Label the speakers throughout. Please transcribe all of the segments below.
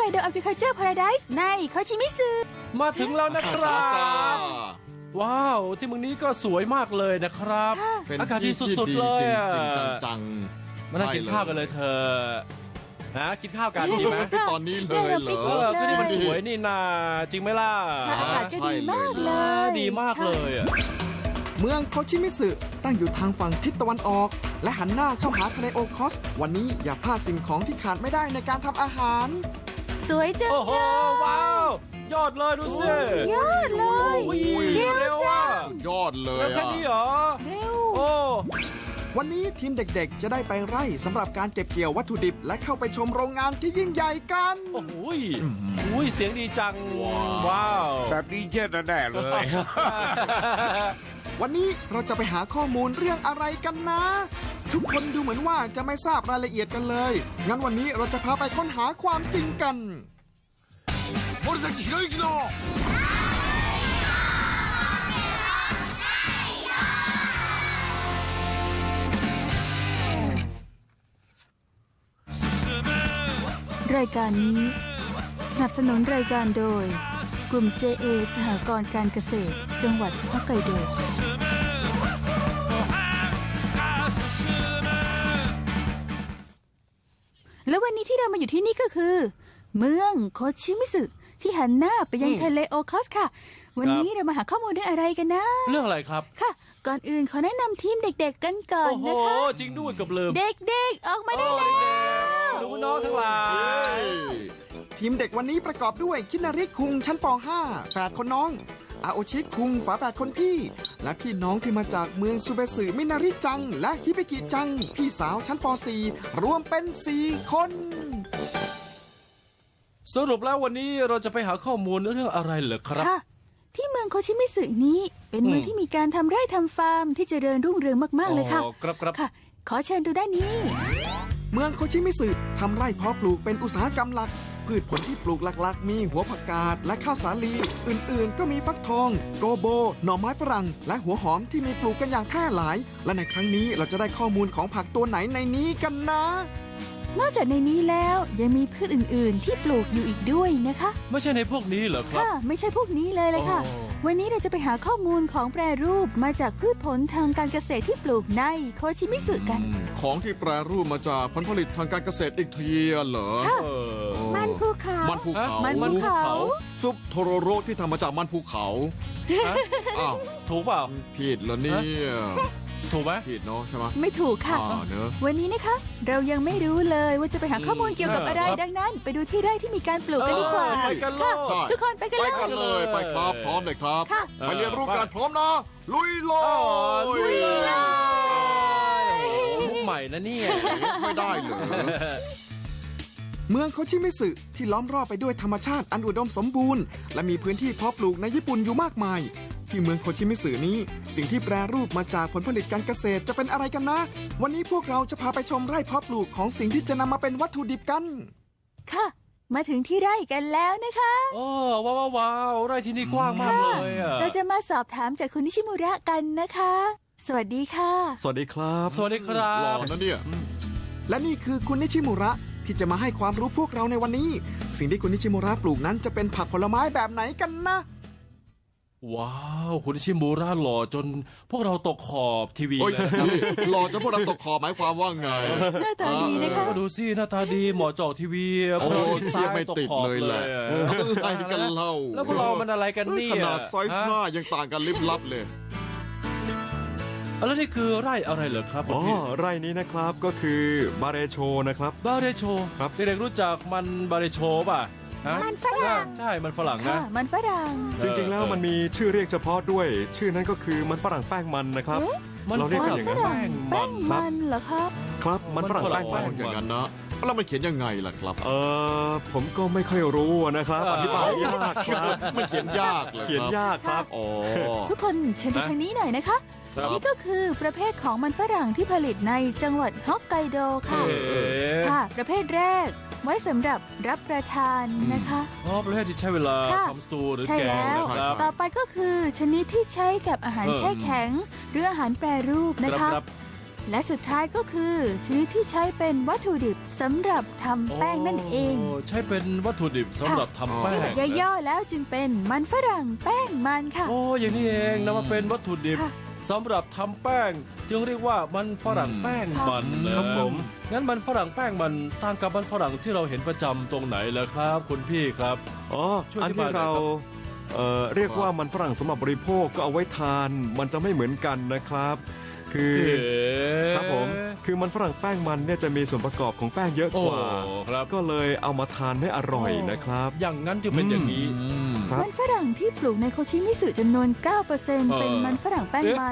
Speaker 1: ไกโด Agriculture Paradise ในโคชิมิสึ
Speaker 2: มาถึงแล้วนะครับว้าวที่เมืองนี้ก็สวยมากเลยนะครับอากาศดีสุดๆเลย
Speaker 3: จริงจัง
Speaker 2: มานั่งกินข้าวกันเลยเธอนะกินข้าวกันดีไหม
Speaker 3: ตอนนี้เลยเหรอ
Speaker 2: ก็นี่มันสวยนี่นาจริงไหมล่ะ
Speaker 1: อากาศก็ดีมากเลย
Speaker 2: ดีมากเลย
Speaker 4: เมืองโคชิมิสึตั้งอยู่ทางฝั่งทิศตะวันออกและหันหน้าเข้าหาทะเลโอคอสวันนี้อย่าพลาดสิ่งของที่ขาดไม่ได้ในการทำอาหาร
Speaker 1: สวยจัง
Speaker 2: โอ้โหว้าวยอดเลยดูสิ
Speaker 1: ยอดเลย
Speaker 2: เร็วอ่ะ
Speaker 3: ยอดเลย
Speaker 2: แค่นี้เหรอ
Speaker 1: เร็ว
Speaker 2: โอ้
Speaker 4: วันนี้ทีมเด็กๆจะได้ไปไร่สำหรับการเก็บเกี่ยววัตถุดิบและเข้าไปชมโรงงานที่ยิ่งใหญ่กัน
Speaker 2: โอ้โหเสียงดีจังว้าว
Speaker 3: แบบนี้เย็นแน่เลย
Speaker 4: วันนี้เราจะไปหาข้อมูลเรื่องอะไรกันนะทุกคนดูเหมือนว่าจะไม่ทราบรายละเอียดกันเลยงั้นวันนี้เราจะพาไปค้นหาความจริงกัน
Speaker 3: 森崎博之の
Speaker 1: รายการนี้สนับสนุนรายการโดยกลุ่ม JA สหกรณ์การเกษตรจังหวัดฮอกไกโดและวันนี้ที่เรามาอยู่ที่นี่ก็คือเมืองโคชิมิสึที่หันหน้าไปยังทะเลโอคอสค่ะวันนี้เรามาหาข้อมูลเรื่องอะไรกันนะ
Speaker 2: เรื่องอะไรครับ
Speaker 1: ค่ะก่อนอื่นขอแนะนำทีมเด็กๆกันก่อนนะคะ
Speaker 2: โอ้โหจริงด้วยกับลืม
Speaker 1: เด็กๆออกมาได้แล้ว
Speaker 2: ดูน้องทั้งหลาย
Speaker 4: ทีมเด็กวันนี้ประกอบด้วยคินาริคุงชั้นป .5 แฝดคนน้องอาโอชิคุงฝาแฝดคนพี่และพี่น้องที่มาจากเมืองซูเบสึมินาริจังและฮิเบกิจังพี่สาวชั้นป .4 รวมเป็น4คน
Speaker 2: สรุปแล้ววันนี้เราจะไปหาข้อมูลเรื่องอะไรเหรอครับ
Speaker 1: ค่ะที่เมืองโคชิมิสึนี้เป็นเมืองที่มีการทำไร่ทำฟาร์มที่เจริญรุ่งเรืองมากๆเลยค่ะ
Speaker 2: ครับ
Speaker 1: ค่ะขอเชิญดูด้านนี้
Speaker 4: เมืองโคชิมิสึทำไร่เพาะปลูกเป็นอุตสาหกรรมหลักพืชผลที่ปลูกหลักๆมีหัวผักกาดและข้าวสาลีอื่นๆก็มีฟักทองโกโบหน่อไม้ฝรั่งและหัวหอมที่มีปลูกกันอย่างแพร่หลายและในครั้งนี้เราจะได้ข้อมูลของผักตัวไหนในนี้กันนะ
Speaker 1: นอกจากในนี้แล้วยังมีพืชอื่นๆที่ปลูกอยู่อีกด้วยนะคะ
Speaker 2: ไม่ใช่ในพวกนี้เหรอครับ
Speaker 1: ค่ะไม่ใช่พวกนี้เลยค่ะวันนี้เราจะไปหาข้อมูลของแปรรูปมาจากพืชผลทางการเกษตรที่ปลูกในโคชิมิสึกัน
Speaker 3: ของที่แปรรูปมาจากผลผลิตทางการเกษตรอีกทีเหรอ
Speaker 1: มันภูเขา
Speaker 3: มันภูเขาซุปโทโรโรที่ทำมาจากมันภูเขา
Speaker 2: อ้าวถูกเปล่า
Speaker 3: ผิดเหรอเนี่ย
Speaker 2: ถูกไหม
Speaker 3: ผิดเนาะใช่ไหม
Speaker 1: ไม่ถูกค่ะวันนี้นะคะเรายังไม่รู้เลยว่าจะไปหาข้อมูลเกี่ยวกับอะไรดังนั้นไปดูที่ไร่ที่มีการปลูกกันดีกว่า
Speaker 2: ไปกันเลย
Speaker 1: ทุกคนไปกัน
Speaker 3: เลยไปครับพร้อมเลยครับไปเรียนรู้การพร้อมนะลุยเลย
Speaker 2: มุกใหม่นะเนี่ย
Speaker 3: ไม่ได้เลย
Speaker 4: เมืองโคชิมิสึที่ล้อมรอบไปด้วยธรรมชาติอันอุดมสมบูรณ์และมีพื้นที่เพาะปลูกในญี่ปุ่นอยู่มากมายที่เมืองโคชิมิสึนี้สิ่งที่แปรรูปมาจากผลผลิตการเกษตรจะเป็นอะไรกันนะวันนี้พวกเราจะพาไปชมไร่เพาะปลูกของสิ่งที่จะนำมาเป็นวัตถุดิบกัน
Speaker 1: ค่ะมาถึงที่ไร่กันแล้วนะคะ
Speaker 2: โอ้ว้าวไร่ที่นี่กว้างมากเลย
Speaker 1: เราจะมาสอบถามจากคุณนิชิมุระกันนะคะสวัสดีค่ะ
Speaker 5: สวัสดีครับ
Speaker 2: สวัสดีครับ
Speaker 3: หล่อนะเนี่ย
Speaker 4: และนี่คือคุณนิชิมุระที่จะมาให้ความรู้พวกเราในวันนี้สิ่งที่คุณนิชิมุระปลูกนั้นจะเป็นผักผลไม้แบบไหนกันนะ
Speaker 2: ว้าวคุณนิชิมุระหล่อจนพวกเราตกขอบทีวีเลย
Speaker 3: หล่อจนพวกเราตกขอบหมายความว่าไง
Speaker 1: หน้าตาดีนะคะ
Speaker 2: ดูสิหน้าตาดีหมอจอทีวี
Speaker 3: โอ้ยไม่ติดเลยแหละอะไรกันเล่า
Speaker 2: แล้วพวกเรามันอะไรกันนี่
Speaker 3: ขนาดไซส์หน้ายังต่างกันลิบลับเลย
Speaker 2: แล้วนี่คือไร่อะไรเหรอครับ
Speaker 5: ไร่นี้นะครับก็คือบาเรโชนะครับ
Speaker 2: บาเรโช
Speaker 5: ครับ
Speaker 2: เด็กๆรู้จักมันบาเรโชป่ะ
Speaker 1: มันฝรั่ง
Speaker 2: ใช่มันฝรั่งนะ
Speaker 1: มันฝรั่ง
Speaker 5: จริงๆแล้วมันมีชื่อเรียกเฉพาะด้วยชื่อนั้นก็คือมันฝรั่งแป้งมันนะครับเราเรียกกันอย่างนั้น
Speaker 1: แป้งมันเหรอครับ
Speaker 5: ครับมันฝรั่งแป้งมัน
Speaker 3: อย่างนั้นนะแล้วมันเขียนยังไงล่ะครับ
Speaker 5: ผมก็ไม่ค่อยรู้นะครับอธิบายยากครับ
Speaker 3: มันเขียนยากเลย
Speaker 5: เขียนยากครับ
Speaker 1: ทุกคนเชิญดูทางนี้หน่อยนะคะนี่ก็คือประเภทของมันฝรั่งที่ผลิตในจังหวัดฮอกไกโดค่ะค่ะประเภทแรกไว้สำหรับรับประทานนะคะ
Speaker 2: ประเภทที่ใช้เวลาทำสตูหรือแกง
Speaker 1: นะครับต่อไปก็คือชนิดที่ใช้กับอาหารแช่แข็งหรืออาหารแปรรูปนะคะและสุดท้ายก็คือชนิดที่ใช้เป็นวัตถุดิบสำหรับทำแป้งนั่นเอง
Speaker 2: ใช้เป็นวัตถุดิบสำหรับทำแป้ง
Speaker 1: ย่อๆแล้วจึงเป็นมันฝรั่งแป้งมันค่ะ
Speaker 2: โอ้อย่างนี้เองนะมาเป็นวัตถุดิบ
Speaker 1: ค่ะ
Speaker 2: สำหรับทำแป้ง จึงเรียกว่ามันฝรั่งแป้งมันนะครับ
Speaker 5: ผม
Speaker 2: งั้นมันฝรั่งแป้งมันต่างกับมันฝรั่งที่เราเห็นประจำตรงไหนล่ะครับคุณพี่ครับ
Speaker 5: อ๋อ
Speaker 2: ช่วย
Speaker 5: อั
Speaker 2: อน ธิบาย
Speaker 5: ที่
Speaker 2: หน่อย
Speaker 5: เรา
Speaker 2: ครับ
Speaker 5: เรียกว่ามันฝรั่งสำหรับบริโภคก็เอาไว้ทาน มันจะไม่เหมือนกันนะครับ คือ ครับผม คือมันฝรั่งแป้งมันเนี่ยจะมีส่วนประกอบของแป้งเยอะ
Speaker 2: โอ้
Speaker 5: กว่า
Speaker 2: ครับ
Speaker 5: ก็เลยเอามาทานให้อร่อยนะครับ
Speaker 2: อย่างนั้นจึงเป็นอย่างนี้
Speaker 5: ครับ
Speaker 1: มันฝรั่งที่ปลูกในโคชิมิสึจำนวน 9% เป็นมันฝรั่งแป้งมัน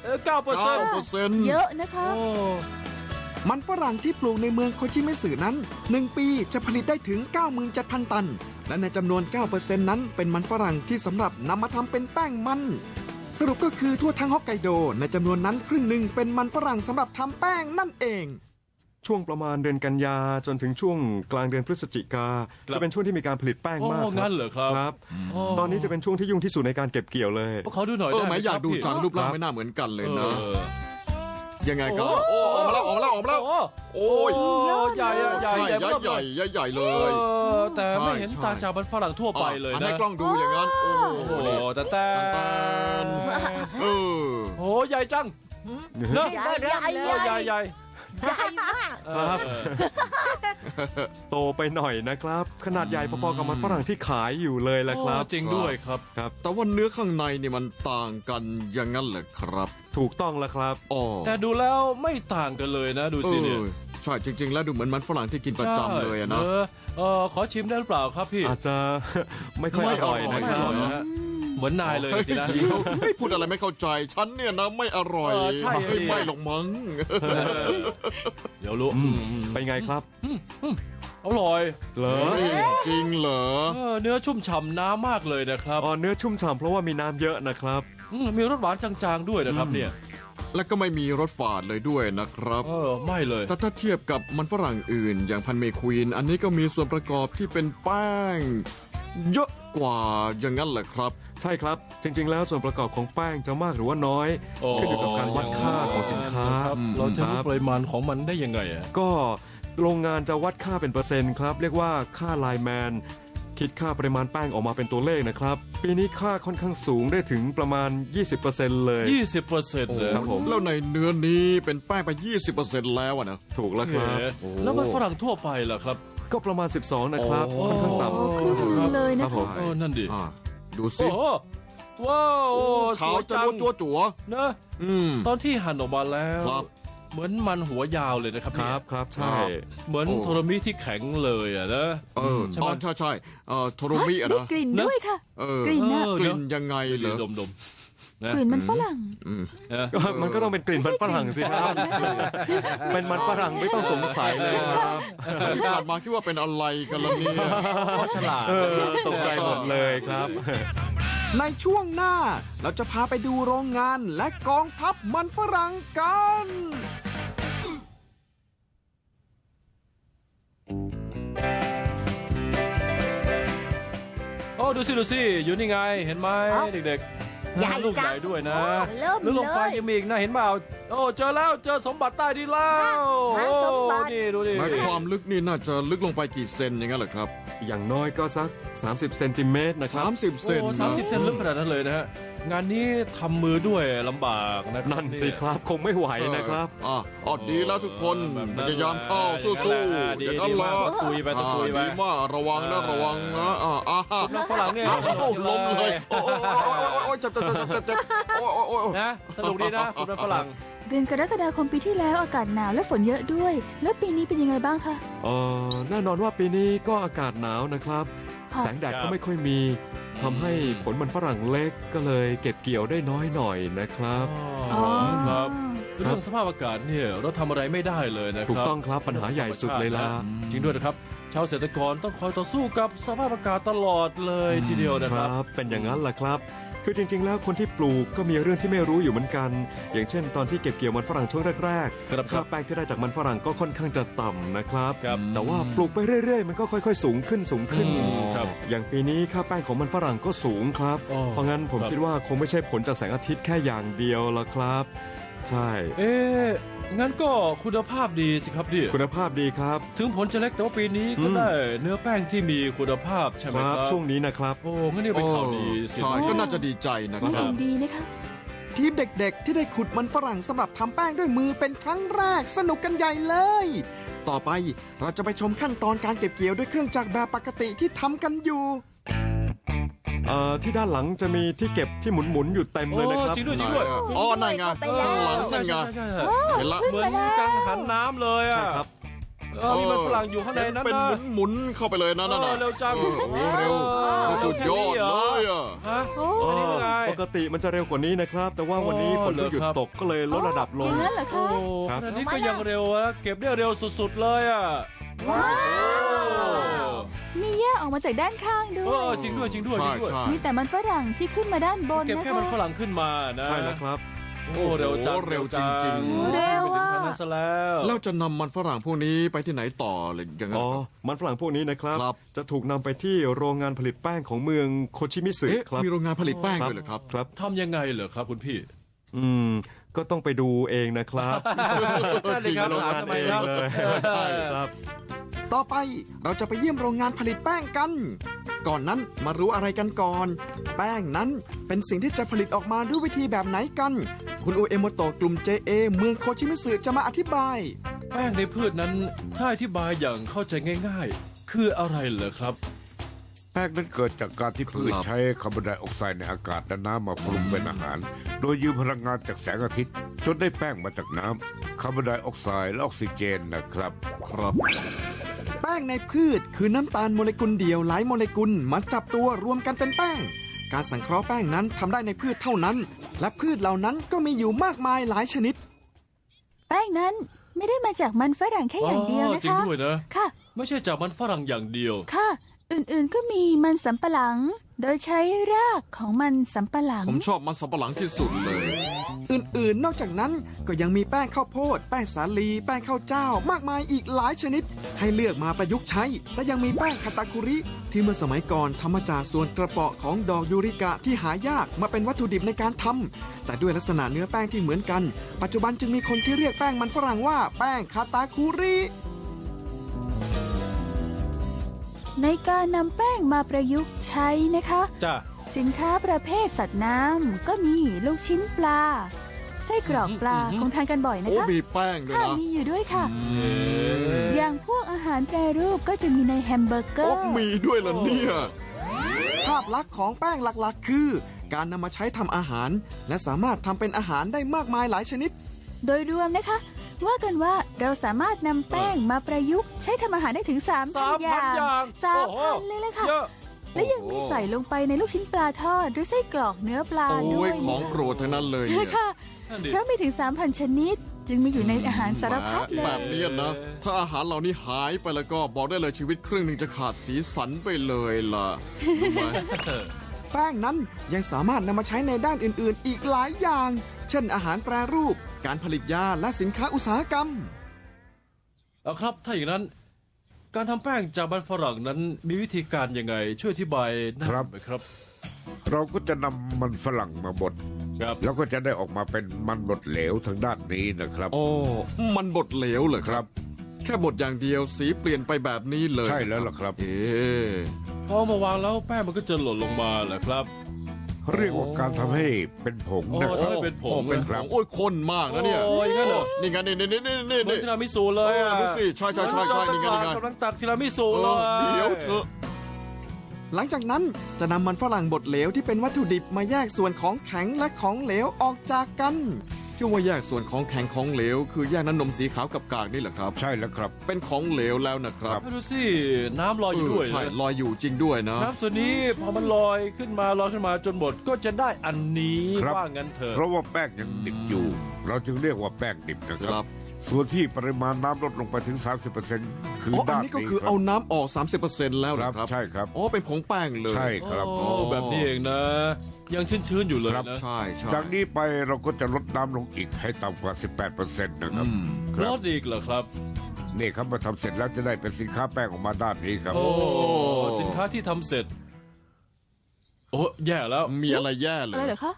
Speaker 2: 9%
Speaker 1: เยอะนะคะ
Speaker 2: โอ้
Speaker 4: มันฝรั่งที่ปลูกในเมืองโคชิมิสึนั้น 1 ปีจะผลิตได้ถึง 97,000 ตัน และในจำนวน 9% นั้นเป็นมันฝรั่งที่สำหรับนำมาทำเป็นแป้งมัน สรุปก็คือทั่วทั้งฮอกไกโดในจำนวนนั้นครึ่งหนึ่งเป็นมันฝรั่งสำหรับทำแป้งนั่นเอง
Speaker 5: ช่วงประมาณเดือนกันยาจนถึงช่วงกลางเดือนพฤศจิกา จะเป็นช่วงที่มีการผลิตแป้งมาก
Speaker 2: โอ้งั้นเหรอครับ
Speaker 5: ครับ ตอนนี้จะเป็นช่วงที่ยุ่งที่สุดในการเก็บเกี่ยวเลย
Speaker 2: เขาดูหน่อย
Speaker 3: เออ
Speaker 2: ได้
Speaker 3: ไหม
Speaker 2: ไหม
Speaker 3: อยากดู
Speaker 2: ครับ
Speaker 3: จัง
Speaker 2: พี่
Speaker 3: รูปร่างไม่น่าเหมือนกันเลยนะ
Speaker 2: เออ
Speaker 3: ยังไงกันโอ้ออกมาแล้วออกมาแล้วออกมาแล้ว
Speaker 2: โอ้ยใหญ่อะใหญ่
Speaker 3: ใหญ่
Speaker 2: ใหญ่
Speaker 3: ใหญ่
Speaker 2: เริ่ม
Speaker 3: ใหญ่ใหญ่ใหญ่เล
Speaker 2: เอย อแต่ไม่เห็น
Speaker 3: ใช่
Speaker 2: ต่างจากมันฝรั่งทั่วไปเลย
Speaker 3: อัน
Speaker 2: นะ
Speaker 3: ให้กล้องดูอย่างนั้น โอ้
Speaker 2: โอ้
Speaker 3: โห
Speaker 2: โห
Speaker 3: นี่
Speaker 2: แต่
Speaker 3: เออ
Speaker 2: โอ้ใหญ่จังเนอะ
Speaker 6: ใหญ่ใหญ่
Speaker 2: โอ้ใหญ่ใหญ่
Speaker 6: ใหญ่มาก
Speaker 5: ครับ
Speaker 2: เออ
Speaker 5: โตไปหน่อยนะครับ ขนาดใหญ่พอๆกับมันฝรั่งที่ขายอยู่เลยแหละครับ
Speaker 2: โอ้จริงด้วยครับ
Speaker 3: แต่ว่าเนื้อข้างในนี่มันต่างกันอย่างนั้นเหรอครับ
Speaker 5: ถูกต้องแล้วครับ
Speaker 3: อ๋อ
Speaker 2: แต่ดูแล้วไม่ต่างกันเลยนะดูสิเนี่ย
Speaker 3: ใช่จริง ๆ แล้วดูเหมือนมันฝรั่งที่กินประจำเลยอะนะ
Speaker 2: ขอชิมได้หรือเปล่าครับพี่
Speaker 5: อาจจะ ไม่ค่อยอร่อย
Speaker 2: ไม่
Speaker 5: นะ
Speaker 2: อ
Speaker 5: ค
Speaker 2: ร่
Speaker 5: รั
Speaker 2: อบ ยนะฮะเหมือนนายเลยสินะ
Speaker 3: ไม่พูดอะไรไม่เข้าใจ ฉันเนี่ยนะไม่อร่อย
Speaker 2: ใช่
Speaker 3: ไม่หรอกมั้ง
Speaker 2: เดี๋ยวรู้
Speaker 5: เป็นไงครับ
Speaker 2: อร่อย
Speaker 5: เหรอ
Speaker 3: เฮ้ยจริงเหรอ
Speaker 2: เนื้อชุ่มฉ่ำน้ำมากเลยนะครับ
Speaker 5: อ๋อเนื้อชุ่มฉ่ำเพราะว่ามีน้ำเยอะนะครับ
Speaker 2: มีรสหวานจางๆด้วยนะครับเนี่ย
Speaker 3: และก็ไม่มีรสฝาดเลยด้วยนะครับ
Speaker 2: ไม่เลย
Speaker 3: แต่ถ้าเทียบกับมันฝรั่งอื่น อย่างพันเมควีนอันนี้ก็มีส่วนประกอบที่เป็นแป้งเยอะกว่าอย่างนั้นแหละครับ
Speaker 5: ใช่ครับ จริง ๆ แล้วส่วนประกอบของแป้งจะมากหรือว่าน้อย ขึ้นอยู่กับการวัดค่าของสินค้า
Speaker 2: ครับเราจะรู้ปริมาณของมันได้ยังไงอะ
Speaker 5: ก็โรงงานจะวัดค่าเป็นเปอร์เซ็นต์ครับ เรียกว่าค่าไลน์แมน คิดค่าปริมาณแป้งออกมาเป็นตัวเลขนะครับ ปีนี้ค่าค่อนข้างสูงได้ถึงประมาณ 20%เลย
Speaker 2: 20%เลย
Speaker 5: ครับผม
Speaker 3: แล้วในเนื้อนี้เป็นแป้งไป 20%แล้วอะนะ
Speaker 5: ถูกแล้วครับ
Speaker 2: แล้วมันฝรั่งทั่วไปล่ะครับ
Speaker 5: ก็ประมาณ 12 นะครับ
Speaker 2: โอ้
Speaker 5: ค่อนข้างต่
Speaker 1: โอ้ครึ่งหนึ่งเลย
Speaker 5: ำค
Speaker 1: นะ
Speaker 5: รับผ
Speaker 1: คะ
Speaker 5: ม
Speaker 2: นั่นดิ
Speaker 3: อ่าดูสิ
Speaker 2: โอ้โหว้าวส
Speaker 3: ขาว
Speaker 2: วย
Speaker 3: จะ
Speaker 2: จัง
Speaker 3: รัวจั่ว
Speaker 2: นะ
Speaker 3: อืม
Speaker 2: ตอนที่หั่นออกมาแล้ว
Speaker 3: ครับ
Speaker 2: เหมือนมันหัวยาวเลยนะครับ
Speaker 5: ค
Speaker 2: เนี่ย
Speaker 5: รับครับใช่
Speaker 2: เหมือน
Speaker 3: โอ้
Speaker 2: โทรมิที่แข็งเลยอะนะ
Speaker 3: เออ
Speaker 2: ใช่ไหม
Speaker 3: ใช่ใช่โทโรมิอะ
Speaker 1: ได้
Speaker 3: นะ
Speaker 1: กลิ่นด้วยค่ะ
Speaker 3: เออก
Speaker 1: ลิ่นน่ะ
Speaker 3: กลิ่นยังไงเหรอ
Speaker 2: ดมนะ
Speaker 1: กลิ่นมันฝรั่ง
Speaker 2: นะ
Speaker 5: ก็มันก็ต้องเป็นกลิ่นมันฝรั่งสิครับ เป็นมันฝรั่งไม่ต้องสงสัยเลยครับ
Speaker 3: ที่ผ่านมาคิดว่าเป็นอะไรกันล่ะเนี่ย
Speaker 2: เขาฉลาด
Speaker 5: ตกใจหมดเลยครับ
Speaker 4: ในช่วงหน้าเราจะพาไปดูโรงงานและกองทัพมันฝรั่งกัน
Speaker 2: โอ้ดูสิอยู่นี่ไงเห็นไหมเด็ก
Speaker 6: ใหญ่
Speaker 2: ลูก
Speaker 6: จั
Speaker 2: ให
Speaker 6: ง
Speaker 2: ญ่ด้วยนะ
Speaker 6: โอ้เริ่ม
Speaker 2: ลึกลงไป
Speaker 6: เลย
Speaker 2: ยังมีอีกนะเห็นเปล่าโอ้เจอแล้วเจอสมบัติใต้ดินแล้ว
Speaker 6: หา
Speaker 2: โอ้
Speaker 6: สมบัติ
Speaker 2: นี่ดูดิ
Speaker 3: หมายความลึกนี่น่าจะลึกลงไปกี่เซนอย่างนั้นเหรอครับ
Speaker 5: อย่างน้อยก็สัก 30 เซนติเมตรนะครับ
Speaker 3: 30 เซน
Speaker 2: โอ้
Speaker 3: นะ
Speaker 2: 30 เซนลึกขนาดนั้นเลยนะฮะงานนี้ทำมือด้วยลำบากนะครับ
Speaker 5: นั่นสิครับคงไม่ไหวนะครับ
Speaker 3: ดีแล้วทุกคนพยายามเข้าสู้ๆ
Speaker 2: ดี
Speaker 3: อย่างนั้น
Speaker 2: ดี
Speaker 3: ละ
Speaker 2: มากตุยไปตุยไป
Speaker 3: ดีมากระวังนะระวังนะ
Speaker 2: น้องฝรั่งเนี่ย
Speaker 3: ล้มเลยโอ้ยเจ็บโอ้ย
Speaker 2: นะสนุกดีนะคุณน้องฝรั่ง
Speaker 1: เดือนกรกฎาคมปีที่แล้วอากาศหนาวและฝนเยอะด้วย แล้วปีนี้เป็นยังไงบ้างคะ
Speaker 5: แน่นอนว่าปีนี้ก็อากาศหนาวนะครับ
Speaker 1: ค่ะ
Speaker 5: แสงแดดก็ไม่ค่อยมีทำให้ผลมันฝรั่งเล็กก็เลยเก็บเกี่ยวได้น้อยหน่อยนะครับ
Speaker 1: อ๋อ
Speaker 2: ครับเรื่องสภาพอากาศเนี่ยเราทำอะไรไม่ได้เลยนะครับ
Speaker 5: ถูกต้องครับปัญหาใหญ่สุดเลยล่ะ
Speaker 2: จริงด้วยนะครับ ชาวเกษตรกรต้องคอยต่อสู้กับสภาพอากาศตลอดเลยทีเดียวนะ
Speaker 5: ค
Speaker 2: ค
Speaker 5: รั
Speaker 2: รับ
Speaker 5: บ เป็นอย่างนั้นแหละครับ คือจริง ๆ แล้วคนที่ปลูกก็มีเรื่องที่ไม่รู้อยู่เหมือนกัน อย่างเช่น ตอนที่เก็บเกี่ยวมันฝรั่งช่วงแรก
Speaker 2: ครับ
Speaker 5: ๆค่าแป้งที่ได้จากมันฝรั่งก็ค่อนข้างจะต่ำนะครับ
Speaker 2: ครับ
Speaker 5: แต่ว่าปลูกไปเรื่อย ๆ มันก็ค่อย ๆ สูงขึ้นสูงขึ้น
Speaker 2: ครับ
Speaker 5: อย่างปีนี้ค่าแป้งของมันฝรั่งก็สูงครับ
Speaker 2: อ๋อ
Speaker 5: เพราะงั้นผม
Speaker 2: ครับ
Speaker 5: คิดว่าคงไม่ใช่ผลจากแสงอาทิตย์แค่อย่างเดียวละครับใช่
Speaker 2: งั้นก็คุณภาพดีสิครับดิ
Speaker 5: คุณภาพดีครับ
Speaker 2: ถึงผลจะเล็กแต่ว่าปีนี้ก็ได้เนื้อแป้งที่มีคุณภาพใช่ไหมครับ
Speaker 5: ช่วงนี้นะครับ
Speaker 2: โอ้งั้นนี่เป็นข่าวดีสิ
Speaker 3: ใช่ก็น่าจะดีใจนะค
Speaker 1: มัน
Speaker 3: รั
Speaker 1: เห็
Speaker 3: บ
Speaker 1: นดีนะคะ
Speaker 4: ทีมเด็กๆ ที่ได้ขุดมันฝรั่งสำหรับทำแป้งด้วยมือเป็นครั้งแรกสนุกกันใหญ่เลย ต่อไปเราจะไปชมขั้นตอนการเก็บเกี่ยวด้วยเครื่องจักรแบบปกติที่ทำกันอยู่
Speaker 5: ที่ด้านหลังจะมีที่เก็บที่หมุนๆอยู่เต็มเลยนะครับ
Speaker 2: จริงด้วยจริงด้วย
Speaker 3: อ๋อนั่นไง
Speaker 1: ไปแล้ว
Speaker 3: ข้างหลัง
Speaker 2: ใช่
Speaker 3: นั่นไง
Speaker 2: ใช่
Speaker 3: เห็นละ
Speaker 2: เหมือนกังหันน้ำเลยอ่ะ
Speaker 5: ใช่ครับ
Speaker 2: มีมันฝรั่งอยู่ข้างในนั้น
Speaker 3: เป็น
Speaker 2: นะ
Speaker 3: หมุนเข้าไปเลยนะนั่นน่ะ
Speaker 2: เร็วจัง
Speaker 3: โอ้โหเร็วสุดยอดเลยอ่ะ
Speaker 2: ฮะ
Speaker 1: โอ้
Speaker 2: อันนี้ยังไง
Speaker 5: ปกติมันจะเร็วกว่านี้นะครับ แต่ว่าวันนี้ฝนก็หยุดตกก็เลยลดระดับล
Speaker 1: อง ย่างนั้นเหรอ
Speaker 2: โอ้
Speaker 1: คะ
Speaker 5: ครับ
Speaker 2: ขนาดนี้ก็ยังเร็วนะเก็บได้เร็วสุดๆเลยอ่ะ
Speaker 1: ว้าวมีแยกออกมาจากด้านข้างด้ว
Speaker 2: เอย จริงด้วยจริงด้วยจ
Speaker 3: ใช่
Speaker 2: ริงด้วย
Speaker 3: ใช่
Speaker 1: มีแต่มันฝรั่งที่ขึ้นมาด้านบน
Speaker 2: เก็บ
Speaker 1: นะ
Speaker 2: แค่
Speaker 1: คะ
Speaker 2: มันฝรั่งขึ้นมานะ
Speaker 5: ใช่แล้วครับ
Speaker 2: โอ้เร็วจัง
Speaker 3: โอ้เร็วจริงๆ
Speaker 1: เร็ว
Speaker 2: ไปถึง
Speaker 1: อ่ะ
Speaker 2: ทางนั้นซะแล้ว
Speaker 3: แล้วจะนำมันฝรั่งพวกนี้ไปที่ไหนต่อเลยอย่างนั้น
Speaker 5: อ๋อ
Speaker 3: ครับ
Speaker 5: มันฝรั่งพวกนี้นะครับ
Speaker 3: ครับ
Speaker 5: จะถูกนำไปที่โรงงานผลิตแป้งของเมืองโคชิมิสึ
Speaker 3: เอ๊ะ
Speaker 5: ครับ
Speaker 3: มีโรงงานผลิตแป้งด้วยเหรอครับ
Speaker 5: ครับ
Speaker 2: ทำยังไงเหรอครับคุณพี่
Speaker 5: ก็ต้องไปดูเองนะครับ
Speaker 2: จริงครับ
Speaker 5: โรงงาน
Speaker 2: ทำไม
Speaker 5: เอง
Speaker 2: ครับ
Speaker 5: เลยใช่ครับ
Speaker 4: ต่อไปเราจะไปเยี่ยมโรงงานผลิตแป้งกัน ก่อนนั้นมารู้อะไรกันก่อน แป้งนั้นเป็นสิ่งที่จะผลิตออกมาด้วยวิธีแบบไหนกัน คุณอุเอโมโตะกลุ่ม JA เมืองโคชิมิสึจะมาอธิบาย
Speaker 2: แป้งในพืชนั้นถ้าอธิบายอย่างเข้าใจง่ายๆ คืออะไรเหรอครับ
Speaker 6: แป้งนั้นเกิดจากการที่พืช
Speaker 3: ครับ
Speaker 6: ใช้คาร์บอนไดออกไซด์ในอากาศและน้ำมาปรุงเป็นอาหาร โดยยืมพลังงานจากแสงอาทิตย์จนได้แป้งมาจากน้ำคาร์บอนไดออกไซด์และออกซิเจนนะครับ
Speaker 3: ครับ
Speaker 4: แป้งในพืชคือน้ำตาลโมเลกุลเดียวหลายโมเลกุลมาจับตัวรวมกันเป็นแป้ง การสังเคราะห์แป้งนั้นทำได้ในพืชเท่านั้น และพืชเหล่านั้นก็มีอยู่มากมายหลายชนิด
Speaker 1: แป้งนั้นไม่ได้มาจากมันฝรั่งแค่อย่างเดียวนะ
Speaker 2: จริง
Speaker 1: คะ
Speaker 2: ด้วยนะ
Speaker 1: ค่ะ
Speaker 2: ไม่ใช่จากมันฝรั่งอย่างเดียว
Speaker 1: ค่ะ อื่นๆก็มีมันสำปะหลัง โดยใช้รากของมันสำปะหลัง
Speaker 3: ผมชอบมันสำปะหลังที่สุดเลย
Speaker 4: อื่นๆ นอกจากนั้นก็ยังมีแป้งข้าวโพด แป้งสาลี แป้งข้าวเจ้า มากมายอีกหลายชนิด ให้เลือกมาประยุกต์ใช้ และยังมีแป้งคาตาคุริ ที่เมื่อสมัยก่อนทำมาจากส่วนกระเปาะของดอกยูริกะที่หายากมาเป็นวัตถุดิบในการทำแต่ด้วยลักษณะเนื้อแป้งที่เหมือนกัน ปัจจุบันจึงมีคนที่เรียกแป้งมันฝรั่งว่าแป้งคาตาคุริ
Speaker 1: ในการนำแป้งมาประยุกต์ใช้นะคะ
Speaker 2: จ้า
Speaker 1: สินค้าประเภทสัตว์น้ำก็มีลูกชิ้นปลา ไส้กรอกปลาคงทานกันบ่อยนะ
Speaker 3: โอ้
Speaker 1: คะ
Speaker 3: มีแป้งด้วย
Speaker 1: ค่ะ
Speaker 3: นะ
Speaker 1: มีอยู่ด้วยค่ะ อย่างพวกอาหารแปรรูปก็จะมีในแฮมเบอร์เกอ
Speaker 3: โอ้
Speaker 1: ร์
Speaker 3: มีด้วยเหรอเนี่ย
Speaker 4: ภาพลักษณ์ของแป้งหลักๆ คือ การนำมาใช้ทำอาหาร และสามารถทำเป็นอาหารได้มากมายหลายชนิด
Speaker 1: โดยรวมนะคะ ว่ากันว่าเราสามารถนำแป้งมาประยุกต์ใช้ทำอาหารได้ถึง 3,000 อย่าง 3,000 เลยละค่ะ
Speaker 2: เยอะ
Speaker 1: และยังมีใส่ลงไปในลูกชิ้นปลาทอดหรือไส้กรอกเนื้อปลา
Speaker 3: โอ้
Speaker 1: ด้วย ย
Speaker 3: ของโปรดทั้งนั้นเลยเนี่ย
Speaker 1: ค่ะ
Speaker 2: นั่นดิ
Speaker 1: เพราะมีถึง 3,000 ชนิด จึงมีอยู่ในอาหารสารพัดเล
Speaker 3: แบ
Speaker 1: ย
Speaker 3: บนี้นะ ถ้าอาหารเหล่านี้หายไปแล้วก็บอกได้เลยชีวิตครึ่งหนึ่งจะขาดสีสันไปเลยล่ะรู้ไหม
Speaker 4: แป้งนั้นยังสามารถนำมาใช้ในด้านอื่นๆ อีกหลายอย่าง เช่นอาหารแปรรูป การผลิตยาและสินค้าอุตสาหกรรม
Speaker 2: เอาครับ ถ้าอย่างนั้น การทำแป้งจากมันฝรั่งนั้นมีวิธีการยังไง ช่วยอธิบายหน่อย
Speaker 6: ครับ
Speaker 2: ไหมครับ
Speaker 6: เราก็จะนำมันฝรั่งมาบด
Speaker 2: ครับ
Speaker 6: แล้วก็จะได้ออกมาเป็นมันบดเหลวทางด้านนี้นะครับ
Speaker 3: โอ้ มันบดเหลวเหรอครับ แค่บดอย่างเดียวสีเปลี่ยนไปแบบนี้เลย
Speaker 6: ใช่แล้วล่ะครับ
Speaker 3: เอ๊ะ
Speaker 2: พอมาวางแล้วแป้งมันก็จะหล่นลงมาแหละครับ
Speaker 6: เรียกว่าการทำให้เป็นผงนะค
Speaker 2: โอ้
Speaker 6: รับ
Speaker 2: ทำให้เป็นผง
Speaker 3: โอ้เป็น
Speaker 2: นะ
Speaker 3: ของโอ้ยข้นมากนะเนี่ย
Speaker 2: โอ้ยงั้นเหรอ
Speaker 3: นี่ไงนี่นี่นี่นี่
Speaker 2: เหมือน
Speaker 3: นี่
Speaker 2: ทีรามิสุเลยอ่ะ
Speaker 3: ดูสิใช่ใช่ใช่ใช่นี่ไงนี่ไง
Speaker 2: กำลังตักทีรามิสุ
Speaker 3: เอ
Speaker 2: เล
Speaker 3: อย เดี๋ยวเถอะ
Speaker 4: หลังจากนั้นจะนำมันฝรั่งบดเหลวที่เป็นวัตถุดิบมาแยกส่วนของแข็งและของเหลวออกจากกัน
Speaker 3: ที่ว่าแยกส่วนของแข็งของเหลว คือแยกน้ำนมสีขาวกับกากนี่แหละครับ
Speaker 6: ใช่แล้วครับ
Speaker 3: เป็นของเหลวแล้วนะครับ
Speaker 2: ดูสิ น้ำลอยอยู่ด้วย
Speaker 3: ใช่
Speaker 2: นะ
Speaker 3: ลอยอยู่จริงด้วยนะ
Speaker 2: น้ำส่วนนี้พอมันลอยขึ้นมาจนหมดก็จะได้อันนี้
Speaker 6: ครับ
Speaker 2: ว่างั้นเถอะ
Speaker 6: เพราะว่าแป้งยังดิบอยู่ เราจึงเรียกว่าแป้งดิบนะค
Speaker 3: ค
Speaker 6: รั
Speaker 3: รับ บ
Speaker 6: ส่วนที่ปริมาณน้ำลดลงไปถึง 30%คือ
Speaker 3: อ๋ออัน
Speaker 6: ด้าน
Speaker 3: นี้ก็
Speaker 6: นี้
Speaker 3: คือ
Speaker 6: ครั
Speaker 3: เอา
Speaker 6: บ
Speaker 3: น้ำออก 30%แล้ว
Speaker 6: ค
Speaker 3: นะ
Speaker 6: รับ
Speaker 3: ครับ
Speaker 6: ใช่ครับ
Speaker 3: อ๋อเป็นผงแป้งเลย
Speaker 6: ใช่ครับ
Speaker 2: โอ้แบบนี้เองนะ ยังชื้นๆอยู่เลย
Speaker 6: ครับ
Speaker 2: นะ
Speaker 3: ใช่ใช่
Speaker 6: จากนี้ไปเราก็จะลดน้ำลงอีกให้ต่ำกว่า 18%นะครับ ค
Speaker 2: ร
Speaker 6: รับ
Speaker 2: สอีกเหรอครับ
Speaker 6: นี่ครับมาทำเสร็จแล้วจะได้เป็นสินค้าแป้งออกมาด้านนี้ครับ
Speaker 2: โอ้สินค้าที่ทำเสร็จ โอ้แย่แล้ว
Speaker 3: มีอะไรแย่เล
Speaker 1: อะไร
Speaker 3: ย
Speaker 1: เหรอคะ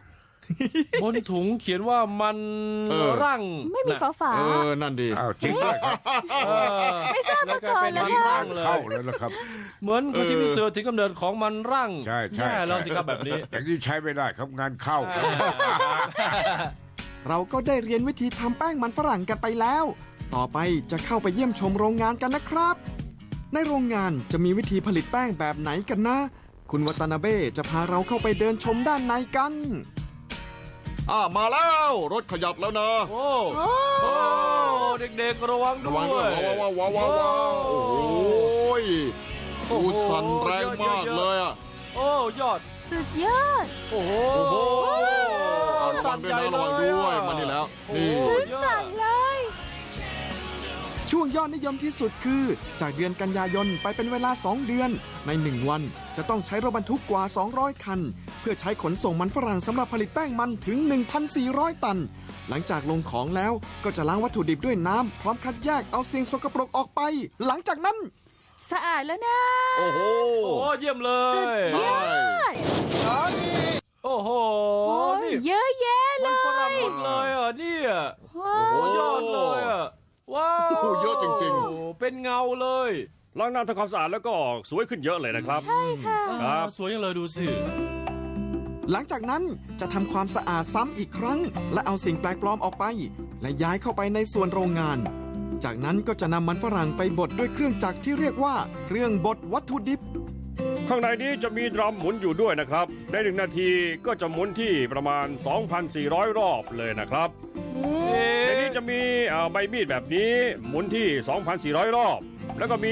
Speaker 2: บนถุงเขียนว่ามัน รั่ง
Speaker 1: ไม่มีฝาฝา
Speaker 3: นั่นดี
Speaker 6: อ้าวจริงด้วยครับ
Speaker 1: ไม่ทราบมาก่อนเลย
Speaker 2: มัน
Speaker 1: ค่ะ
Speaker 2: รั่งเลย
Speaker 6: เข้าแล้วนะครับ
Speaker 2: เหมือนโคชิมิสึถึงกำเนิดของมันรั่ง
Speaker 6: ใช่ใช่
Speaker 2: แย่แล้วสิครับแบบนี้
Speaker 6: อย่างนี้ใช้ไม่ได้ครับงานเข้าครับ
Speaker 4: เราก็ได้เรียนวิธีทำแป้งมันฝรั่งกันไปแล้ว ต่อไปจะเข้าไปเยี่ยมชมโรงงานกันนะครับ ในโรงงานจะมีวิธีผลิตแป้งแบบไหนกันนะ คุณวัตนาเบ้จะพาเราเข้าไปเดินชมด้านในกัน
Speaker 3: มาแล้วรถขยับแล้วนะ
Speaker 2: โอ้โอ้เด็กๆระวังด้
Speaker 3: ระ
Speaker 2: ว
Speaker 3: วังด้วย
Speaker 2: ย
Speaker 3: ว้าวโอ้โหอูสั่นแรงมากเลยอ่ะ
Speaker 2: โอ้ยอด
Speaker 1: สุดยอด
Speaker 2: โอ้โห
Speaker 3: ระวังด้วยนะระวังด้วยมานี่แล้วนี่
Speaker 1: ซึ้งสั่นเลย
Speaker 4: ช่วงยอดนิยมที่สุดคือ จากเดือนกันยายนไปเป็นเวลา 2 เดือน ใน 1 วันจะต้องใช้รถบรรทุกกว่า 200 คัน เพื่อใช้ขนส่งมันฝรั่งสำหรับผลิตแป้งมันถึง 1,400 ตัน หลังจากลงของแล้วก็จะล้างวัตถุดิบด้วยน้ำพร้อมคัดแยกเอาสิ่งสกปรกออกไป หลังจากนั้น
Speaker 1: สะอาดแล้วนะ
Speaker 3: โอ้โห
Speaker 2: โอ้เยี่ยมเล
Speaker 1: สุด
Speaker 2: ย
Speaker 1: ยอด
Speaker 2: โอ้โห
Speaker 1: โอ้ย
Speaker 2: นี่
Speaker 1: เยอะแยะเล
Speaker 2: มันฝรั่ง
Speaker 1: ย
Speaker 2: หมดเลยอ่ะเนี่ย
Speaker 1: ว้า
Speaker 2: โอ้
Speaker 1: ว
Speaker 2: ยอดเลยอ่ะว้าว
Speaker 3: โอ้โหเยอะจริง
Speaker 2: โอ้เป็นเงาเลย
Speaker 5: ล้างน้ำทำความสะอาดแล้วก็สวยขึ้นเยอะเลยนะครับ
Speaker 1: ใช่ค่ะ
Speaker 5: ครับ
Speaker 2: สวยยังเลยดูสิ
Speaker 4: หลังจากนั้นจะทำความสะอาดซ้ำอีกครั้ง และเอาสิ่งแปลกปลอมออกไป และย้ายเข้าไปในส่วนโรงงาน จากนั้นก็จะนำมันฝรั่งไปบดด้วยเครื่องจักรที่เรียกว่าเครื่องบดวัตถุดิบ
Speaker 5: ข้างในนี้จะมีดรัมหมุนอยู่ด้วยนะครับใน1 นาทีก็จะหมุนที่ประมาณ 2,400 รอบเลยนะครับ ในนี้จะมีใบมีดแบบนี้หมุนที่ 2,400 รอบ แล้วก็มี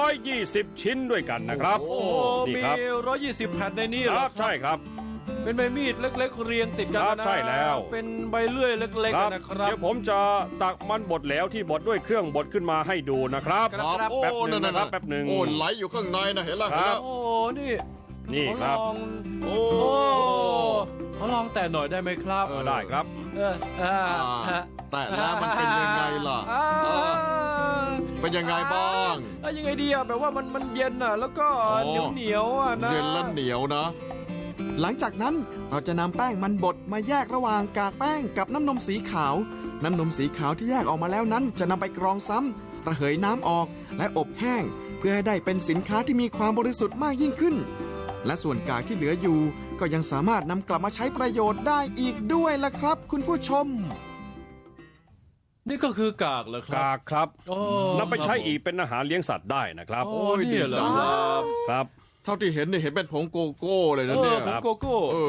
Speaker 5: 120 ชิ้นด้วยกันนะครับ
Speaker 2: โอ้
Speaker 5: นี่
Speaker 2: มี
Speaker 5: ครับ
Speaker 2: 120 แผ่นในนี้เห
Speaker 5: ค
Speaker 2: รอ
Speaker 5: รับใช่ครับ
Speaker 2: เป็นใบมีดเล็กๆ เรียงติดกัน
Speaker 5: ครับ
Speaker 2: นะ
Speaker 5: ใช่แล้ว
Speaker 2: เป็นใบเลื่อยเล็ก
Speaker 5: ครับ
Speaker 2: ๆนะครับ
Speaker 5: เดี๋ยวผมจะตักมันบดแล้วที่บดด้วยเครื่องบดขึ้นมาให้ดูนะครับ
Speaker 2: ครับ
Speaker 3: โอ้
Speaker 5: แป๊บหนึ่ง
Speaker 3: นั่น
Speaker 5: นะครับ
Speaker 3: ๆ
Speaker 5: แป๊บหนึ่ง
Speaker 3: โอ้ไหลอยู่ข้างในนะเห็นแล้ว
Speaker 5: ค
Speaker 3: เห็น
Speaker 5: รั
Speaker 3: แล้
Speaker 5: บ
Speaker 3: ว
Speaker 2: โอ้นี่
Speaker 5: นี่ครับ
Speaker 3: โอ้
Speaker 2: โอ้เขาลองแต่หน่อยได้ไหมครับ
Speaker 5: ได้ครับ
Speaker 2: เอออ่าฮะ
Speaker 3: แต่แล้วมันเป็นยังไงล่ะ
Speaker 2: อ่า
Speaker 3: เป็นยังไงบ้าง
Speaker 2: ยังไงดีอะแบบว่ามันเย็นอะแล้วก็
Speaker 3: อ๋
Speaker 2: เหนียว
Speaker 3: อ
Speaker 2: เหนียวๆอะนะ
Speaker 3: เย็นและเหนียวนะ
Speaker 4: หลังจากนั้นเราจะนำแป้งมันบดมาแยกระหว่างกากแป้งกับน้ำนมสีขาว น้ำนมสีขาวที่แยกออกมาแล้วนั้นจะนำไปกรองซ้ำระเหยน้ำออกและอบแห้ง เพื่อให้ได้เป็นสินค้าที่มีความบริสุทธิ์มากยิ่งขึ้น และส่วนกากที่เหลืออยู่ ก็ยังสามารถนำกลับมาใช้ประโยชน์ได้อีกด้วยล่ะครับ คุณผู้ชม
Speaker 2: นี่ก็คือกากเหรอครับ
Speaker 5: กากครับ
Speaker 2: โอ้
Speaker 5: นำไปใช้อีกเป็นอาหารเลี้ยงสัตว์ได้นะครับ
Speaker 2: โอ้นี่เหรอครับ
Speaker 5: ครับ
Speaker 3: เท่าที่เห็นเนี่ยเห็นเป็นผงโกโก้เลยนะเนี่ย
Speaker 2: ผมโกโก้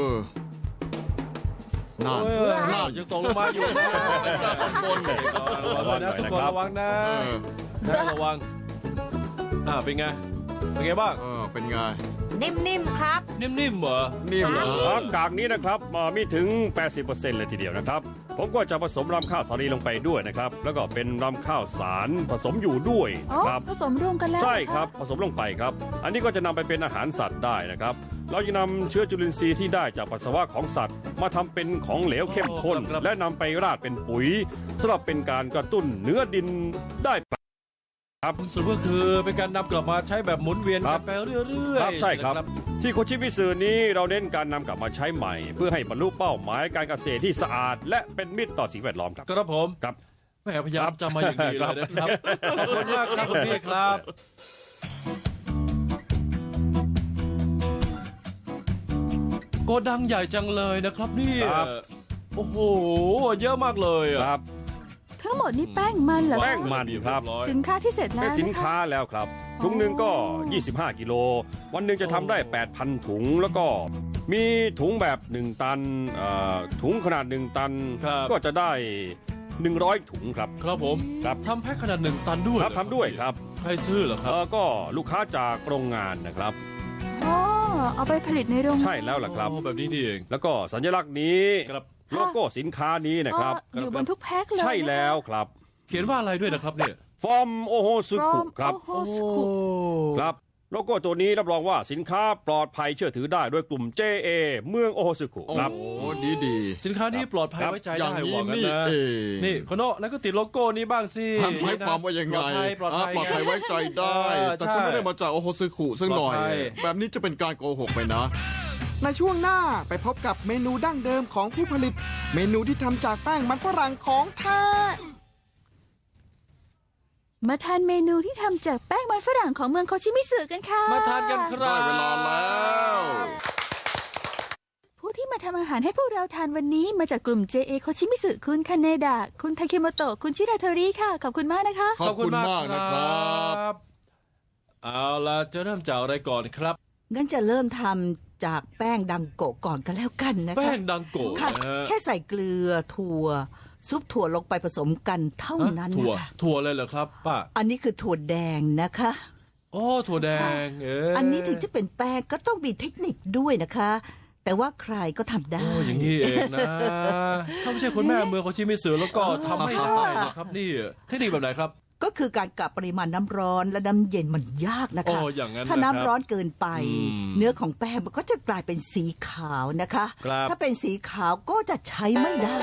Speaker 3: นั่น
Speaker 2: เออ
Speaker 3: นั่น
Speaker 2: ยังตกลงมาอยู่นะ
Speaker 3: บนเนี่ย
Speaker 2: ระวังนะทุกคนระวังนะ
Speaker 3: เออ
Speaker 2: นะระวังเป็นไงเป็นไงบ้าง
Speaker 3: เป็นไง
Speaker 7: นิ่มๆครับ
Speaker 2: นิ่มๆเหรอ
Speaker 3: นิ่มเหรอ
Speaker 5: ครับกากนี้นะครับมีถึง 80% เลยทีเดียวนะครับ ผมก็จะผสมรำข้าวสาลีลงไปด้วยนะครับ แล้วก็เป็นรำข้าวสารผสมอยู่ด้วย
Speaker 1: อ๋อ
Speaker 5: นะครับ
Speaker 1: ผสมรวมกันแล้ว
Speaker 5: ใช่
Speaker 1: เหอ
Speaker 5: ครับผสมลงไปครับ อันนี้ก็จะนำไปเป็นอาหารสัตว์ได้นะครับ เราจะนำเชื้อจุลินทรีย์ที่ได้จากปัสสาวะของสัตว์ มาทำเป็นของเหลวเข้มข้น และนำไปราดเป็นปุ๋ยสำหรับเป็นการกระตุ้นเนื้อดินได้ครับ
Speaker 2: สรุปก็คือเป็นการนำกลับมาใช้แบบหมุนเวียน
Speaker 5: ครั
Speaker 2: กับ นไปเรื่อย
Speaker 5: ครับ
Speaker 2: ๆ
Speaker 5: ใช่ครับ
Speaker 2: นะ
Speaker 5: ที่โคชิมิสึนี้เราเน้นการนำกลับมาใช้ใหม่ เพื่อให้บรรลุเป้าหมายการเกษตรที่สะอาด และเป็นมิตรต่อสิ่งแวดล้อมครับ
Speaker 2: ครับผม
Speaker 5: ครับ
Speaker 2: แม่พยายามจำมาอย่างดีเลยนะครับขอบคุณมากครับคุณพี่ครับ โกดังใหญ่จังเลยนะครับเนี่ย
Speaker 5: ครับ
Speaker 2: โอ้โหเยอะมากเลยอะ
Speaker 5: ครับ
Speaker 1: ทั้งหมดนี่แป้งมันเหรอคะ
Speaker 5: แป้งมันครับ
Speaker 1: สินค้าที่เสร็จแล้ว
Speaker 5: เป็นสิน
Speaker 1: นะคะ
Speaker 5: ค้าแล้วครับ ถุงหนึ่งก็ 25 กิโล วันหนึ่งจะทำได้ 8,000 ถุง แล้วก็มีถุงแบบ 1 ตันถุงขนาด 1 ตัน
Speaker 2: ครับ
Speaker 5: ก็จะได้ 100 ถุงครับ
Speaker 2: ครับผม
Speaker 5: ครับ
Speaker 2: ทำแพ็คขนาด1 ตันด้วย
Speaker 5: ครับ
Speaker 2: เหอ
Speaker 5: ทำด้วยครับ
Speaker 2: ใครซื้อเหรอครับ
Speaker 5: ก็ลูกค้าจากโรงงานนะครับ
Speaker 1: อ๋อเอาไปผลิตในโรงงาน
Speaker 5: ใช่แล้วล่ะครับ
Speaker 2: โอ้แบบนี้นี่เอง
Speaker 5: แล้วก็สัญลักษณ์นี้
Speaker 2: ครับ
Speaker 5: โลโก้สินค้านี้นะครับ
Speaker 1: อ๋ออยู่บนทุกแพ็คเลย
Speaker 5: ใช่แล้วครับ
Speaker 2: เขียนว่าอะไรด้วยนะครับเนี่ย
Speaker 5: ฟอร์มโอโฮซึ
Speaker 1: นะคะ
Speaker 5: คุ
Speaker 1: From
Speaker 5: ครับ
Speaker 1: Ohosuku
Speaker 5: ครับโลโก้ตัวนี้รับรองว่าสินค้าปลอดภัยเชื่อถือได้ด้วยกลุ่ม JA เมืองโอโฮซึคุ
Speaker 3: โอ้
Speaker 5: ครับ
Speaker 3: โหดี
Speaker 2: สินค้านี้ปลอดภัย
Speaker 5: ครับ
Speaker 2: ไว้ใจ
Speaker 3: อย่า
Speaker 2: ได้
Speaker 3: งนี้
Speaker 2: หวังกัน
Speaker 3: นี่
Speaker 2: นะ
Speaker 3: เอง
Speaker 2: นี่โคโนะนั่นก็ติดโลโก้นี้บ้างสิ
Speaker 3: หมายความว่ายังไง
Speaker 2: ปลอดภัย
Speaker 3: ปลอดภัยไว้ใจได้ แต่ฉันไม่ได้มาจากโอโฮซึคุซึ่งหน่อย
Speaker 2: ปลอดภัย
Speaker 3: แบบนี้จะเป็นการโกหกไปนะ
Speaker 4: ในช่วงหน้าไปพบกับเมนูดั้งเดิมของผู้ผลิต เมนูที่ทำจากแป้งมันฝรั่งของแท้
Speaker 1: มาทานเมนูที่ทำจากแป้งมันฝรั่งของเมืองโคชิมิสึกันค่ะ
Speaker 2: มาทานกันครั
Speaker 3: ได้
Speaker 2: บ
Speaker 3: เวลาแล้ว
Speaker 1: ผู้ที่มาทำอาหารให้พวกเราทานวันนี้มาจากกลุ่ม JA โคชิมิสึคุณคาเนดะคุณทาเคโมโตะคุณชิราโทริค่ะขอบคุณมากนะคะ
Speaker 3: ขอบคุณมากนะครับ
Speaker 2: เอาล่ะจะเริ่มจากอะไรก่อนครับ
Speaker 7: งั้นจะเริ่มทำจากแป้งดังโกะก่อนกันแล้วกันนะคะ
Speaker 2: แป้งดังโกะ
Speaker 7: ค่ะ
Speaker 2: นะฮะ
Speaker 7: แค่ใส่เกลือถั่ว ซุปถั่วลงไปผสมกันเท่านั้น
Speaker 2: ถั่ว
Speaker 7: นะคะ
Speaker 2: ถั่วเลยเหรอครับป้า
Speaker 7: อันนี้คือถั่วแดงนะคะ
Speaker 2: โอ้ถั่วแดงเ
Speaker 7: อันนี้ถึงจะเป็นแป้งก็ต้องมีเทคนิคด้วยนะคะ แต่ว่าใครก็ทำได้
Speaker 2: โอ้อย่างนี้เองนะ ถ้าไม่ใช่คุณแม่เมืองโคชิมิสึแล้วก็ทำไม่ได้นะครับนี่เทคนิคแบบไหนครับ
Speaker 7: ก็คือการกะปริมาณน้ำร้อนและน้ำเย็นมันยากนะคะ
Speaker 2: โอ้อย่างนั้น
Speaker 7: ถ้าน้ำ
Speaker 2: นะครับ
Speaker 7: ร้อนเกินไป
Speaker 2: อืม
Speaker 7: เนื้อของแป้งมันก็จะกลายเป็นสีขาวนะคะ
Speaker 2: ครับ
Speaker 7: ถ้าเป็นสีขาวก็จะใช้ไม่ได้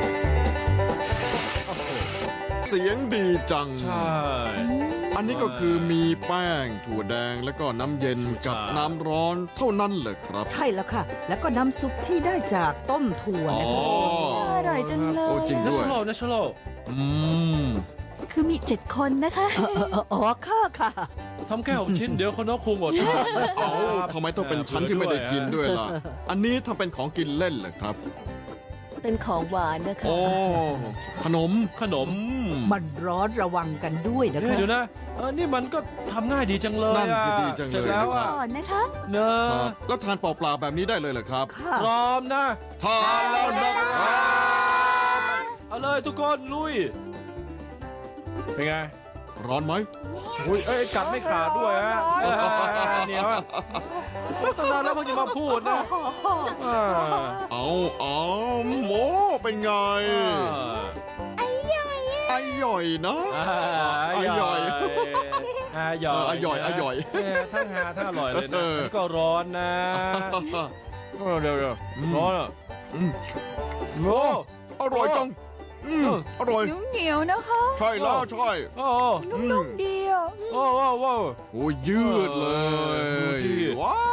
Speaker 3: เสียงดีจัง
Speaker 2: ใช่
Speaker 3: อันนี้ก็คือมีแป้งถั่วแดงแล้วก็น้ำเย็นกับ
Speaker 2: ใช่
Speaker 3: น้ำร้อนเท่านั้นเลยครับ
Speaker 7: ใช่แล้วค่ะ แล้วก็น้ำซุปที่ได้จากต้มถั่ว
Speaker 3: อ๋อ
Speaker 7: นะคะ
Speaker 1: อร่อยจังเล
Speaker 3: โอ้
Speaker 1: ย
Speaker 3: จริง
Speaker 2: เนชั่นแนลเนชั่นแนล
Speaker 3: อืม
Speaker 1: คือมี7 คนนะคะ
Speaker 7: อ๋อค่ะค่ะ
Speaker 2: ทำแค่6 ชิ้นเดี๋ยวคนน้องคงอดทาน
Speaker 3: เอ้าทำไมต้องเป็นชั้นที่ไม่ได้กินด้วยล่ะ อันนี้ทำเป็นของกินเล่นเหรอครับ
Speaker 8: เป็นของหวานนะคะ
Speaker 3: โอ้ ขนม
Speaker 2: ขนม
Speaker 7: มันร้อนระวังกันด้วยนะ
Speaker 2: เฮ้ย
Speaker 7: คะ
Speaker 2: เดี๋ยวนะนี่มันก็ทำง่ายดีจังเลย
Speaker 3: นั่นสิ
Speaker 2: อะ
Speaker 3: ดีจังเลย
Speaker 2: เสร็จแล้วอะ
Speaker 1: ก่อนนะคะ
Speaker 2: เนอะ
Speaker 3: ครับแล้วทานเปล่าๆแบบนี้ได้เลยเหรอครับ
Speaker 7: ค่ะ
Speaker 2: พร้อมนะ
Speaker 3: ทานแล้วนะครับ
Speaker 2: เอาเลยทุกคนลุย เป็นไง
Speaker 3: ร้อนไหม
Speaker 2: อุ้ยเอ้ยกัดไม่ขาดด้วยฮะเหนียวอะตั้งนานแล้วเพิ่งจะมาพูดนะอ่า
Speaker 3: เอาโมเป็นไงไอหย่อยนะ
Speaker 2: อร่อย
Speaker 3: อร่อย
Speaker 2: ทั้งหาทั้งอร่อยเลย
Speaker 3: เอ
Speaker 2: นะ
Speaker 3: อ
Speaker 2: แล้วก็ร้อนนะเดี๋ยวร้อนอ่ะ
Speaker 3: อืม
Speaker 2: โอ้
Speaker 3: อร่อยจังอร่อย
Speaker 1: เหนียวๆนะคะ
Speaker 3: ใช่แล้วใช่
Speaker 2: โอ้
Speaker 1: นุ่มๆดีอ่ะ
Speaker 2: โอ้โอ้
Speaker 3: โอ้ยืดเล
Speaker 2: ดู
Speaker 3: ย
Speaker 2: ที่
Speaker 3: ว้าว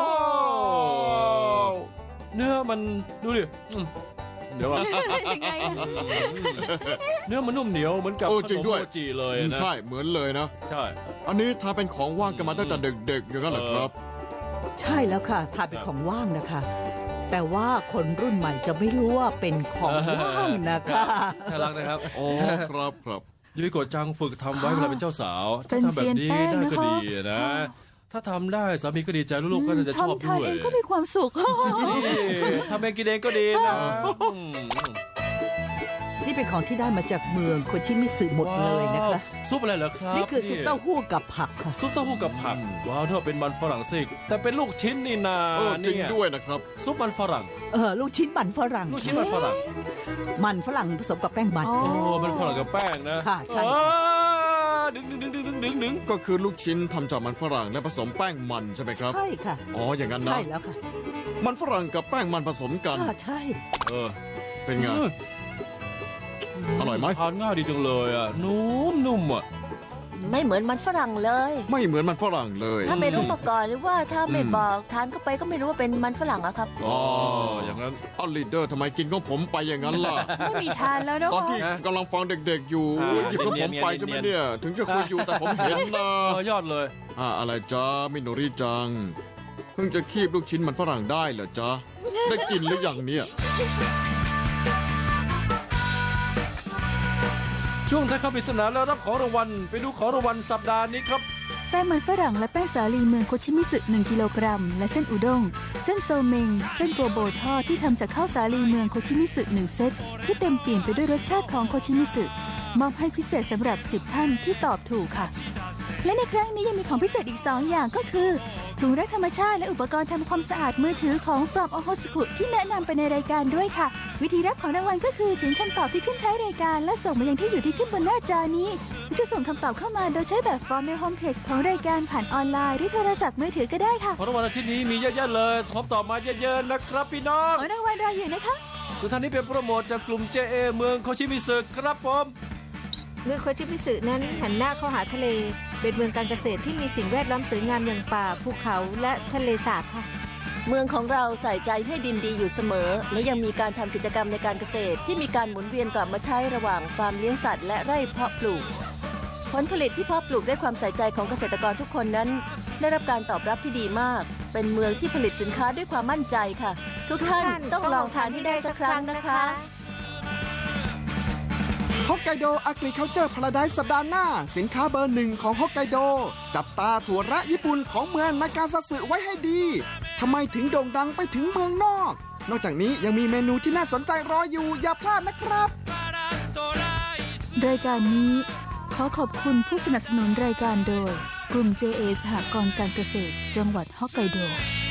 Speaker 2: เนื้อมันดูดิเดี๋ยวก่อน
Speaker 1: ยังไงอะ
Speaker 2: เนื้อมันนุ่มเหนียวเหมือนกับ
Speaker 3: โอ้
Speaker 2: ข
Speaker 3: จริ
Speaker 2: น
Speaker 3: ง
Speaker 2: ม
Speaker 3: ด้วย
Speaker 2: โมจิเลยนะ
Speaker 3: ใช่เหมือนเลยนะ
Speaker 2: ใช่
Speaker 3: อันนี้ทาเป็นของว่างกันมาตั้งแต่เด็กๆอย่างนั้นเหรอครับ
Speaker 7: ใช่แล้วค่ะทานเป็นของว่างนะคะ แต่ว่าคนรุ่นใหม่จะไม่รู้ว่าเป็นของว่างนะคะ
Speaker 2: น่ารักนะครับ
Speaker 3: อ๋อครับครับ
Speaker 2: ยุ้ยโกะจังฝึกทำไว้เวลาเป็นเจ้าสาว
Speaker 1: เป็
Speaker 2: ถ้าน ทำแบบนี้
Speaker 1: เซียนแป้ง
Speaker 2: ได้
Speaker 1: นะคะ
Speaker 2: ก็ดีนะ ถ้าทำได้สามีก็ดีใจลูกๆก็น่าจะชอบ
Speaker 1: ทำทาน
Speaker 2: ด้วย
Speaker 1: เองก็มีความสุข
Speaker 2: นี่ทำเองกินเองก็ดีนะ
Speaker 7: นี่เป็นของที่ได้มาจากเมืองโคชิมิสึหมดเลยนะคะ
Speaker 2: ว้าวซุปอะไรเหรอครับ
Speaker 7: นี่คือซุปเต้าหู้กับผักค่ะ
Speaker 2: ซุปเต้าหู้กับผักว้าวถ้าเป็นมันฝรั่งซิกแต่เป็นลูกชิ้นนี่นา
Speaker 3: จริง
Speaker 2: เนี่ย
Speaker 3: ด้วยนะครับ
Speaker 2: ซุปมันฝรั่ง
Speaker 7: ลูกชิ้นมันฝรั่ง
Speaker 2: ลูกชิ้นมันฝรั่ง
Speaker 7: มันฝรั่งผสมกับแป้งมัน
Speaker 1: อ๋อ
Speaker 2: โอ้มันฝรั่งกับแป้งนะ
Speaker 7: ค่ะใช่
Speaker 2: ดึง
Speaker 3: ก็คือลูกชิ้นทำจากมันฝรั่งและผสมแป้งมันใช่ไหมครับ
Speaker 7: ใช่ค่ะ
Speaker 3: อ๋ออย่างนั้นนะ
Speaker 7: ใช่แล้วค่ะ
Speaker 3: มันฝรั่งกับแป้งมันผสมกัน
Speaker 7: ค่ะใช่
Speaker 2: เออ
Speaker 3: เป็นไง อร่อยไหม
Speaker 2: ทานง่ายดีจังเลยอ่ะนุ่มอ่ะ
Speaker 8: ไม่เหมือนมันฝรั่งเลย
Speaker 3: ไม่เหมือนมันฝรั่งเลย
Speaker 8: ถ้าไม่รู้มาก่อนหรือว่าถ้าไม่
Speaker 3: อืม
Speaker 8: บอกทานเข้าไปก็ไม่รู้ว่าเป็นมันฝรั่งอะครับ
Speaker 3: อ๋อ
Speaker 2: อย่างนั้น
Speaker 3: เอาลีดเดอร์ทำไมกินของผมไปอย่างนั้นล่ะ
Speaker 1: ไม่มีทานแล้วนะ
Speaker 3: ตอน
Speaker 1: คะ
Speaker 3: ที่กำลังฟังเด็กๆอยู่
Speaker 2: อ่า
Speaker 3: หยิบของผมไปใช่ไหมเนี่ย ถึงจะคุยอยู่แต่ผมเห็นนะ
Speaker 2: ยอดเลย
Speaker 3: อะไรจ้ามิโนริจัง เพิ่งจะคีบลูกชิ้นมันฝรั่งได้เหรอจ๊ะ ได้กินหรือยังเนี่ย
Speaker 2: ช่วงท้ายคำปริศนาแล้วรับของรางวัลไปดูของรางวัลสัปดาห์นี้ครับ
Speaker 1: แป้งมันฝรั่งและแป้งสาลีเมืองโคชิมิสึ1 กิโลกรัม และเส้นอุด้ง เส้นโซเมง เส้นโกโบทอดที่ทำจากข้าวสาลีเมืองโคชิมิสึ1 เซตที่เต็มเปี่ยมไปด้วยรสชาติของโคชิมิสึมอบให้พิเศษสำหรับ 10 ท่านที่ตอบถูกค่ะ และในครั้งนี้ยังมีของพิเศษอีก 2 อย่างก็คือถุงรักธรรมชาติและอุปกรณ์ทำความสะอาดมือถือของ From Ohosuku ที่แนะนำไปในรายการด้วยค่ะ วิธีรับของรางวัลก็คือเขียนคำตอบที่ขึ้นท้ายรายการและส่งมายังที่อยู่ที่ขึ้นบนหน้าจอนี้หรือจะส่งคำตอบเข้ามาโดยใช้แบบฟอร์มในโฮมเพจของรายการผ่านออนไลน์หรือโทรศัพท์มือถือก็ได้ค่ะ
Speaker 2: ของรางวัลอาทิตย์นี้มีเยอะแยะเลยส่งคำตอบมาเยอะๆนะครับพี่น้อง
Speaker 1: ของรางวัลรออยู่นะคะ
Speaker 2: สุดท้ายนี้เป็นโปรโมทจากกลุ่ม JA เมืองโคชิมิสึครับผม
Speaker 8: เมืองโคชิมิสึนั้นหันหน้าเข้าหาทะเล เป็นเมืองการเกษตรที่มีสิ่งแวดล้อมสวยงามอย่างป่าภูเขาและทะเลสาบค่ะเมืองของเราใส่ใจให้ดินดีอยู่เสมอ และยังมีการทำกิจกรรมในการเกษตรที่มีการหมุนเวียนกลับมาใช้ระหว่างฟาร์มเลี้ยงสัตว์และไร่เพาะปลูกผลผลิตที่เพาะปลูกด้วยความใส่ใจของเกษตรกรทุกคนนั้นได้รับการตอบรับที่ดีมากเป็นเมืองที่ผลิตสินค้าด้วยความมั่นใจค่ะทุกท่านต้องลองทานให้ได้สักครั้งนะคะ
Speaker 4: ฮอกไกโด Agriculture Paradise สัปดาห์หน้า สินค้าเบอร์หนึ่งของฮอกไกโด จับตาถั่วแระญี่ปุ่นของเมืองนากาซาสึไว้ให้ดีทำไมถึงโด่งดังไปถึงเมืองนอก นอกจากนี้ยังมีเมนูที่น่าสนใจรออยู่อย่าพลาดนะครับ
Speaker 1: รายการนี้ขอขอบคุณผู้สนับสนุนรายการโดย กลุ่ม JA สหกรณ์การเกษตร จังหวัดฮอกไกโด